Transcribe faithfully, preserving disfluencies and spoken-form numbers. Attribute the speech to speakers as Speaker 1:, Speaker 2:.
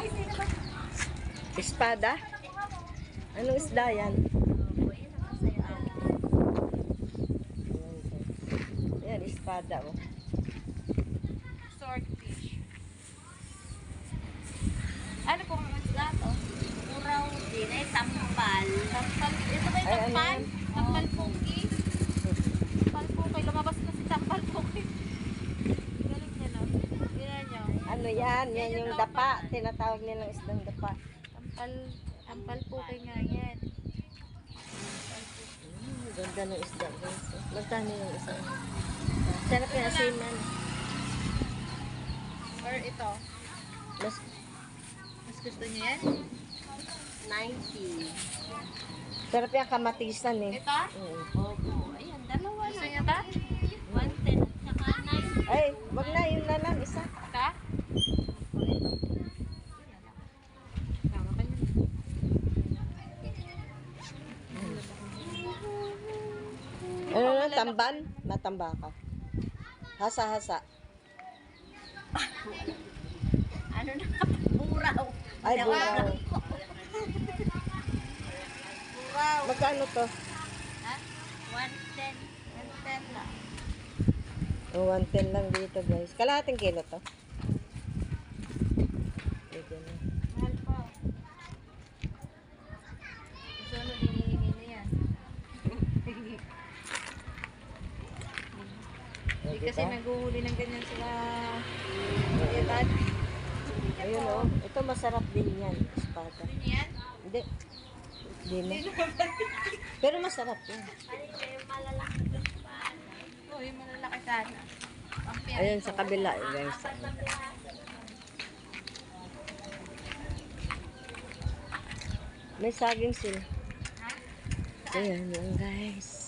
Speaker 1: Espada? Anong isda yan? Ayan, espada oh.
Speaker 2: Swordfish. Ano pong isda to?
Speaker 3: Muraw din ay tampal.
Speaker 2: Tampal. Ito ba yung
Speaker 1: Ay, ano
Speaker 2: tampal?
Speaker 1: yan?
Speaker 2: Tampal pogi. Tampal pogi. Lumabas na si tampal pogi. Galing niya no? Yan nyo.
Speaker 1: Ano yan? Yan yung dapa. Tinatawag nilang isdang dapa.
Speaker 2: Tampal. Tampal pogi nga yan.
Speaker 1: Hmm, ganda ng isda guys. Magkano yung isa? Sarap yung asinan.
Speaker 2: Or ito.
Speaker 1: Mas
Speaker 2: Mas gusto niyo yan?
Speaker 3: ninety.
Speaker 1: sarap yung kamatisan eh.
Speaker 2: Ito?
Speaker 1: Mm.
Speaker 3: Opo. Ayan, dalawa
Speaker 2: Gusto
Speaker 3: na.
Speaker 2: niyo ito?
Speaker 3: one ten at saka ninety.
Speaker 1: Ay, wag na. Yun na lang. Isa.
Speaker 2: Ito? Tama ka niyo.
Speaker 1: Ano na? Tamban? Matamba ka. Hasa-hasa.
Speaker 3: Ano na? Buraw.
Speaker 1: Ay, buraw.
Speaker 2: Wow.
Speaker 1: Magkano to?
Speaker 3: Ha? one ten.
Speaker 2: one ten lang.
Speaker 1: Oh, one ten lang dito guys. Kalahating kilo to. Dito na.
Speaker 2: Mahal pa. Gusto mo dinihingi na yan.
Speaker 1: Oh,
Speaker 2: Hindi kasi
Speaker 1: diba?
Speaker 2: naghuhuli ng ganyan sila. Edad.
Speaker 1: Ayun oh. Ito masarap din yan. Espada.
Speaker 2: Gusto niyo yan?
Speaker 1: Hindi. Hindi na. Pero masarap yan.
Speaker 2: Oo, yung malalaki sana. Pampiyan
Speaker 1: Ayun
Speaker 2: ito.
Speaker 1: sa kabila eh, guys. May saging sila.
Speaker 2: Ha?
Speaker 1: Ayan yun guys.